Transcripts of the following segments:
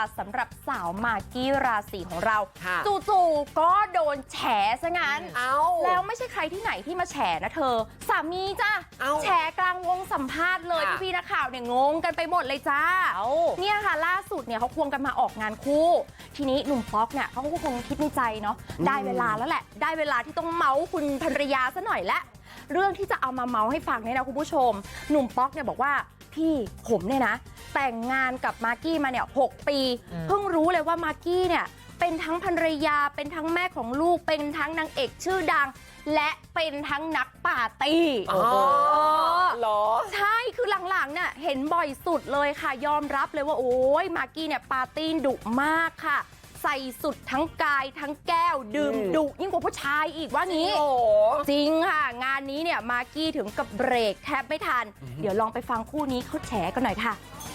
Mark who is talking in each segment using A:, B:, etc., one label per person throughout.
A: สำหรับสาวมากกี้ราศีของเรา
B: ค่ะ
A: จู่ๆก็โดนแฉซะงั้น
B: เอ้า
A: แล้วไม่ใช่ใครที่ไหนที่มาแฉนะเธอ สามีจ้ะ
B: เอ้า
A: แฉกลางวงสัมภาษณ์เลย
B: ค่ะ
A: พี่ๆนักข่าวเนี่ยงงกันไปหมดเลยจ้า
B: เอ้า
A: เนี่ยค่ะล่าสุดเนี่ยเขาควงกันมาออกงานคู่ ทีนี้หนุ่มป๊อกเนี่ยเขาก็คงคิดในใจเนาะได้เวลาแล้วแหละ ได้เวลาที่ต้องเมาส์คุณภรรยาซะหน่อยละเรื่องที่จะเอามาเมาส์ให้ฟังเนี่ยนะคุณผู้ชม หนุ่มป๊อกเนี่ยบอกว่าพี่ผมเนี่ยนะแต่งงานกับมากกี้มาเนี่ย6 ปีเพิ่งรู้เลยว่ามากกี้เนี่ยเป็นทั้งภรรยาเป็นทั้งแม่ของลูกเป็นทั้งนางเอกชื่อดัง และเป็นทั้งนักปาร์ตี้
B: อ๋อเหรอ
A: ใช่คือหลังๆเนี่ยเห็นบ่อยสุดเลยค่ะยอมรับเลยว่าโอ้ยมากกี้เนี่ยปาร์ตี้ดุมากค่ะ ใส่สุดทั้งกายทั้งแก้วดื่มดุยิ่งกว่าผู้ชายอีกว่างี้
B: โอ้โห
A: จริงค่ะ งานนี้เนี่ยมากกี้ถึงกับเบรกแทบไม่ทัน เดี๋ยวลองไปฟังคู่นี้เขาแฉกันหน่อยค่ะ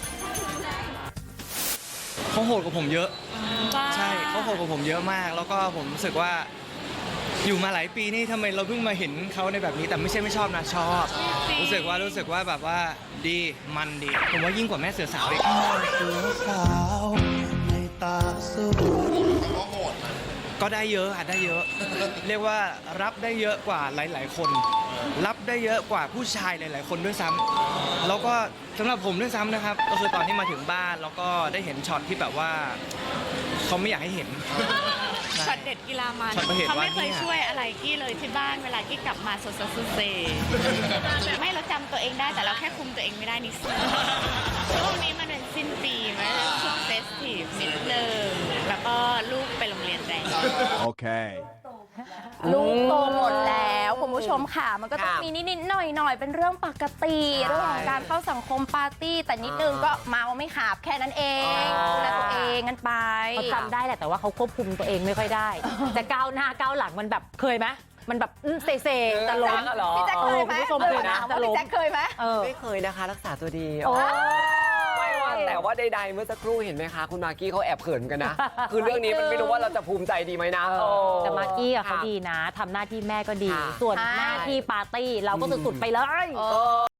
C: เขาโหดกว่าผมเยอะ ใช่เขาโหดกว่าผมเยอะมาก แล้วก็ผมรู้สึกว่าอยู่มาหลายปีนี่ทำไมเราเพิ่งมาเห็นเขาในแบบนี้ แต่ไม่ใช่ไม่ชอบนะชอบ รู้สึกว่าแบบว่าดีมันดี ผมว่ายิ่งกว่าแม่เสือสาวอีก
D: เสือสาวในตาสวย
C: ก็ได้เยอะค่ะได้เยอะ เรียกว่ารับได้เยอะกว่าหลาย ๆ คน รับได้เยอะกว่าผู้ชายหลาย ๆ คนด้วยซ้ำแล้วก็สำหรับผมด้วยซ้ำนะครับ ก็คือตอนที่มาถึงบ้านแล้วก็ได้เห็นช็อตที่แบบว่าเขาไม่อยากให้เห็น
E: ช็อตเด็ดกีฬามัน
C: ช็อตประเหตุ
E: เขาไม่
C: ว่า
E: เคย
C: เนี่ย
E: ช่วยอะไรกี้เลยที่บ้านเวลากี้กลับมาสดเซไม่เราจำตัวเองได้แต่เราแค่คุมตัวเองไม่ได้นิดนึงช่วงนี้มันเป็นสิ้นปีมันเป็นช่วงเฟสทีฟนิดนึงแล้วก็ลูกไปโรงเรียนแล้ว
D: Okay.
A: ลูกโตหมดแล้วคุณผู้ชมค่ะ มันก็ต้อง
B: ค่ะ
A: มีนิดๆหน่อยๆเป็นเรื่องปกติ
B: ใช่
A: เรื่องของการเข้าสังคมปาร์ตี้ แต่นิดนึงก็เมาไม่ขาบแค่นั้นเองดูแลตัวเองกันไป
F: เขาจำได้แหละแต่ว่าเขาควบคุมตัวเองไม่ค่อยได้ แต่ก้าวหน้าก้าวหลังมันแบบเคยไหมมันแบบเซจะล้ม
B: เหรอ
A: พี่แจ็คเคยไหม
F: คุณผู้ชมเคยนะ
A: ถามว่าพี่แจ็คเคยไหม
B: ไม่เคยนะคะรักษาตัวดี
F: โอ้
B: ไม่ว่าแต่ว่าใดๆเมื่อสักครู่เห็นไหมคะ คุณมากกี้เขาแอบเขินกันนะ คือเรื่องนี้มันไม่รู้ว่าเราจะภูมิใจดีไหมนะ
F: แต่มากกี้อะเขา
B: ค่ะ
F: ดีนะทำหน้าที่แม่ก็ดี
B: ค่ะ
F: ส่วน
A: ใช่
F: หน้าที่ปาร์ตี้เราก็สุดๆไปเลย
A: เออ